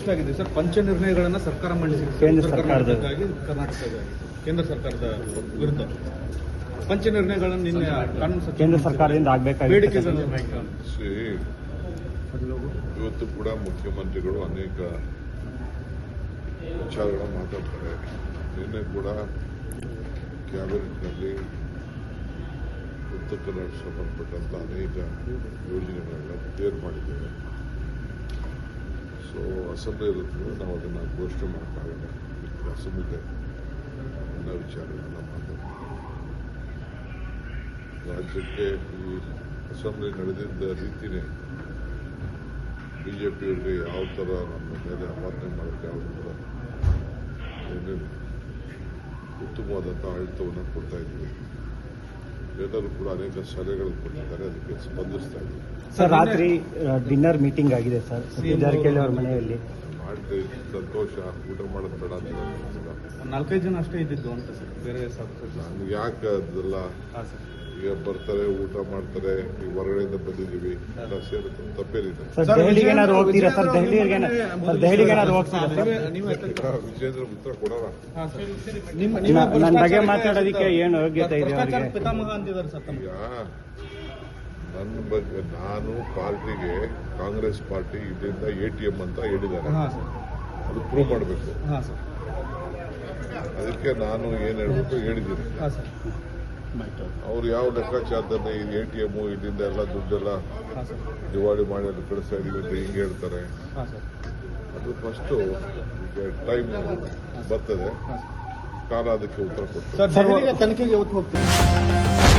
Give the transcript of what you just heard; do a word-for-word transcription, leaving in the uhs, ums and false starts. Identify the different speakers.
Speaker 1: ಆಗಿದೆ ಸರ್. ಪಂಚ ನಿರ್ಣಯಗಳನ್ನ ಸರ್ಕಾರ ಮಂಡಿಸಿದೆ
Speaker 2: ಕೇಂದ್ರ ಸರ್ಕಾರದ
Speaker 1: ಕರ್ನಾಟಕದ ಕೇಂದ್ರ ಸರ್ಕಾರದ ವಿರುದ್ಧ ಪಂಚ ನಿರ್ಣಯಗಳನ್ನು ನಿನ್ನೆ ಕಾನೂನು
Speaker 2: ಕೇಂದ್ರ ಸರ್ಕಾರದಿಂದ ಆಗಬೇಕಾಗಿದೆ.
Speaker 3: ಇವತ್ತು ಕೂಡ ಮುಖ್ಯಮಂತ್ರಿಗಳು ಅನೇಕ ವಿಚಾರಗಳನ್ನು ಮಾತಾಡ್ತಾರೆ. ನಿನ್ನೆ ಕೂಡ ಕ್ಯಾಬಿನೆಟ್ನಲ್ಲಿ ಉತ್ತರ ಕನ್ನಡ ಸಂಬಂಧಪಟ್ಟಂತ ಅನೇಕ ಯೋಜನೆಗಳನ್ನ ಕ್ಲಿಯರ್ ಮಾಡಿದ್ದೇವೆ. ಸೊ ಅಸೆಂಬ್ಲಿ ಇರೋದ್ರಿಂದ ನಾವು ಅದನ್ನು ಘೋಷಣೆ ಮಾಡೋಕ್ಕಾಗಲ್ಲ. ಅಸೆಂಬ್ಲಿ ಎಲ್ಲ ವಿಚಾರಗಳನ್ನ ಮಾತಾಡ್ತೀವಿ. ರಾಜ್ಯಕ್ಕೆ ಈ ಅಸೆಂಬ್ಲಿ ನಡೆದಿದ್ದ ರೀತಿಯೇ ಬಿಜೆಪಿಯವರಿಗೆ ಯಾವ ಥರ ನಮ್ಮ ಮೇಲೆ ಆಪಾದನೆ ಮಾಡೋಕ್ಕೆ ಯಾವುದು ಕೂಡ ಏನೇನು ಉತ್ತಮವಾದಂಥ ಆಡಳಿತವನ್ನು ಕೊಡ್ತಾ ಇದ್ವಿ. ಎಲ್ಲರೂ ಕೂಡ ಅನೇಕ ಸಲಹೆಗಳು ಕೊಟ್ಟಿದ್ದಾರೆ, ಅದಕ್ಕೆ ಸ್ಪಂದಿಸ್ತಾ ಇದ್ದೀವಿ.
Speaker 2: ಸರ್, ರಾತ್ರಿ ಡಿನ್ನರ್ ಮೀಟಿಂಗ್ ಆಗಿದೆ ಸರ್ ಜಾರಕಿಹೊಳಿ ಅವರ ಮನೆಯಲ್ಲಿ.
Speaker 3: ಮಾಡಿದ್ರೆ ಸಂತೋಷ. ಊಟ ಮಾಡೋದು ಬೇಡ ಅಂತ
Speaker 1: ನಾಲ್ಕೈದು ಜನ ಅಷ್ಟೇ ಇದ್ದಿದ್ದು ಅಂತ ಸರ್. ಬೇರೆ
Speaker 3: ನಮ್ಗೆ ಯಾಕೆ ಅದೆಲ್ಲ ಈಗ ಬರ್ತಾರೆ, ಊಟ ಮಾಡ್ತಾರೆ, ಈಗ ಹೊರಗಡೆಯಿಂದ ಬಂದಿದ್ದೀವಿ, ಎಲ್ಲ ಸೇರುತ್ತೆ, ತಪ್ಪೇನಿದೆ.
Speaker 2: ದೆಹಲಿಗೆ ಏನಾದ್ರು ಹೋಗ್ತೀರಾ ಸರ್? ದೆಹಲಿಗೆ ದೆಹಲಿಗೆ ಏನಾದ್ರು ಹೋಗ್ತೀರಾ ಸರ್?
Speaker 3: ವಿಜೇಂದ್ರ ಉತ್ತರ ಕೊಡೋಣ.
Speaker 2: ನನ್ನ ಬಗ್ಗೆ ಮಾತಾಡೋದಕ್ಕೆ ಏನು ಯೋಗ್ಯತೆ ಇದೆ?
Speaker 1: ಪಿತಾಮಹ ಅಂತಿದ್ದಾರೆ ಸರ್.
Speaker 3: ಈಗ ನನ್ನ ಬಗ್ಗೆ ನಾನು ಪಾರ್ಟಿಗೆ ಕಾಂಗ್ರೆಸ್ ಪಾರ್ಟಿ ಇದರಿಂದ ಎ ಟಿ ಎಂ ಅಂತ ಹೇಳಿದ್ದಾರೆ, ಅದು ಪ್ರೂವ್ ಮಾಡಬೇಕು. ಅದಕ್ಕೆ ನಾನು ಏನು ಹೇಳ್ಬೇಕು ಹೇಳಿದ್ದೀನಿ. ಅವ್ರು ಯಾವ ಲೆಕ್ಕಾಚಾರದಲ್ಲಿ ಇದು ಎ ಟಿ ಎಮ್ ಇಲ್ಲಿಂದ ಎಲ್ಲ ದುಡ್ಡೆಲ್ಲ ದಿವಾಳಿ ಮಾಡಿ ಅಲ್ಲಿ ಕಳಿಸ್ತಾ ಇದೀವಿ ಅಂತ ಹಿಂಗೆ ಹೇಳ್ತಾರೆ. ಅದು ಫಸ್ಟು ಟೈಮ್ ಬರ್ತದೆ, ಕಾಲ ಅದಕ್ಕೆ ಉತ್ತರ ಕೊಡ್ತಾರೆ.
Speaker 1: ತನಿಖೆಗೆ ಯಾವತ್ತು ಹೋಗ್ತೀವಿ?